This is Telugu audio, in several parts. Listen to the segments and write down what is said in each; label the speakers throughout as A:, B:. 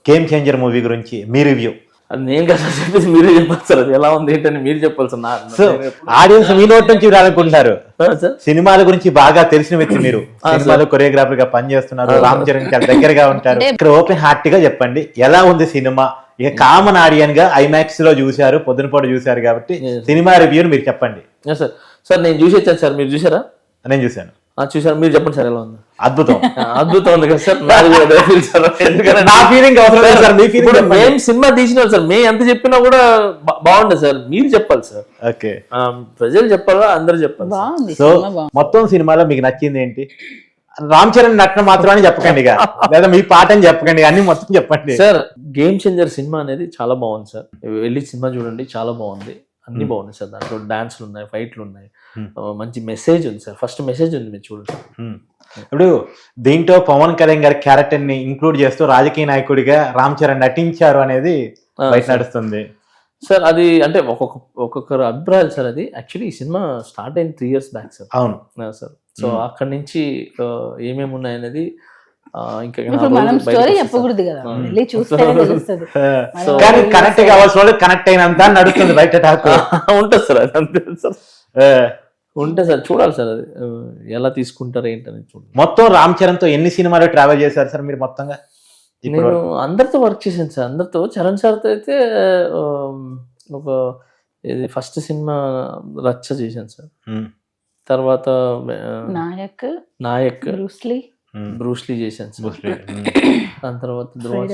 A: గేమ్ చేంజర్ మూవీ గురించి మీ రివ్యూ.
B: అది నేను కదా చెప్పేసి మీరే చెప్పాలి సార్, అది ఎలా ఉంది ఏంటని మీరు చెప్పాలి సార్.
A: సో ఆడియన్స్ మీ నోట్ నుంచి వినాలనుకుంటున్నారు.
B: సార్
A: సినిమాల గురించి బాగా తెలిసిన వ్యక్తి మీరు, సినిమాలో కొరియోగ్రాఫర్ గా పనిచేస్తున్నారు, రామ్ చరణ్ చాలా దగ్గరగా ఉంటారు. ఇక్కడ ఓపెన్ హార్ట్ గా చెప్పండి ఎలా ఉంది సినిమా. ఇక కామన్ ఆడియన్ గా ఐమాక్స్ లో చూశారు, పొద్దునపూట చూశారు కాబట్టి సినిమా రివ్యూని మీరు చెప్పండి.
B: సార్ సార్ నేను చూసి వచ్చాను సార్, మీరు చూసారా?
A: నేను చూశాను.
B: చూసారు, మీరు చెప్పండి సార్ ఎలా ఉంది.
A: అద్భుతం.
B: అద్భుతం ఉంది కదా సార్. నాది కూడా అదే feel సార్. ఎందుకంటే
A: నా ఫీలింగ్ అవసరం లేదు సార్, మీ
B: ఇప్పుడు
A: ఫీలింగ్.
B: మేము సినిమా తీసిన సార్, మేము ఎంత చెప్పినా కూడా బాగుండదు సార్, మీరు చెప్పాలి సార్.
A: ఓకే,
B: ప్రజలు చెప్పాలా అందరు చెప్పాలి సార్.
C: బాగుంది
A: సో
C: సినిమా బాగుంది.
A: మొత్తం సినిమాలో మీకు నచ్చింది ఏంటి? రామ్ చరణ్ నటన మాత్రమే చెప్పకండి ఇక, లేదా మీ పాట అని చెప్పకండి, అన్ని మొత్తం చెప్పండి.
B: సార్ గేమ్ చేంజర్ సినిమా అనేది చాలా బాగుంది సార్, వెళ్ళి సినిమా చూడండి, చాలా బాగుంది. అన్ని బాగున్నాయి సార్, దాంట్లో డాన్స్లు ఉన్నాయి, ఫైట్లు ఉన్నాయి, మంచి మెసేజ్ ఉంది సార్. ఫస్ట్ మెసేజ్ ఉంది, మీరు చూడండి.
A: ఇప్పుడు దీంట్లో పవన్ కళ్యాణ్ గారి క్యారెక్టర్ ని ఇంక్లూడ్ చేస్తూ రాజకీయ నాయకుడిగా రామ్ చరణ్ నటించారు అనేది బయట నడుస్తుంది
B: సార్. అది అంటే ఒక్కొక్కరు అభిప్రాయాలు సార్. అది యాక్చువల్లీ ఈ సినిమా స్టార్ట్ అయింది 3 years బ్యాక్ సార్.
A: అవును
B: సార్. సో అక్కడి నుంచి ఏమేమి ఉన్నాయనేది ఇంకా
C: ఇప్పుడు మనం స్టోరీ చెప్పకూడదు కదా, వెళ్ళి చూస్తే తెలుస్తుంది.
A: కానీ కనెక్ట్ కావాల్సిన వాళ్ళు కనెక్ట్ అయినంత నడుస్తుంది బయట టాక్.
B: ఉంటుంది సార్, అది అంతే సార్. ఉంటే సార్ చూడాలి సార్, అది ఎలా తీసుకుంటారు ఏంటని చూడాలి.
A: మొత్తం రామ్ చరణ్ తో ఎన్ని సినిమాలు ట్రావెల్ చేశారు సార్ మీరు మొత్తంగా?
B: నేను అందరితో వర్క్ చేశాను సార్. అందరితో చరణ్ సార్తో అయితే ఒక ఇది ఫస్ట్ సినిమా రచ్చ చేశాను సార్. తర్వాత నాయక్ బ్రూస్లీ చేశాను సార్. దాని తర్వాత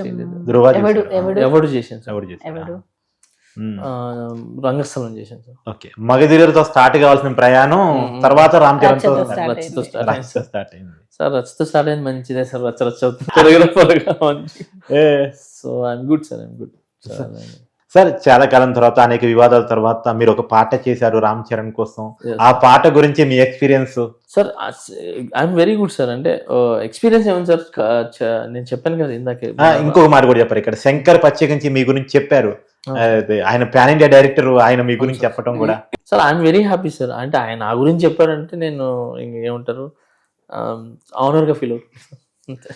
B: ఎవడు చేశాను సార్. రంగస్థలం చేశాను సార్.
A: ఓకే, మగధీరతో స్టార్ట్ కావాల్సిన ప్రయాణం తర్వాత రామ్ చరణ్ తో
B: రచ్చతో
A: స్టార్ట్ అయింది
B: సార్. రచ్చతో స్టార్ట్ అయింది, మంచిదే సార్. రచ్చ అవుతుంది. So I'm good sir, I'm good
A: sir. చాలా కాలం తర్వాత, అనేక వివాదాల తర్వాత మీరు ఒక పాట చేశారు రామ్ చరణ్ కోసం. ఆ పాట గురించి మీ experience?
B: Sir I'm very good sir. అంటే ఎక్స్పీరియన్స్ ఏముంది సార్, నేను చెప్పాను కదా ఇందాకే.
A: ఇంకొక మాట కూడా చెప్పారు, ఇక్కడ శంకర్ పచ్చికంచి మీ గురించి చెప్పారు. ఆయన పాన్ ఇండియా డైరెక్టర్, ఆయన మీ గురించి చెప్పడం కూడా.
B: Sir I'm very happy sir. అంటే ఆయన నా గురించి చెప్పారంటే నేను ఏమంటారు, ఆనర్ గా ఫీల్ అవుతుంది.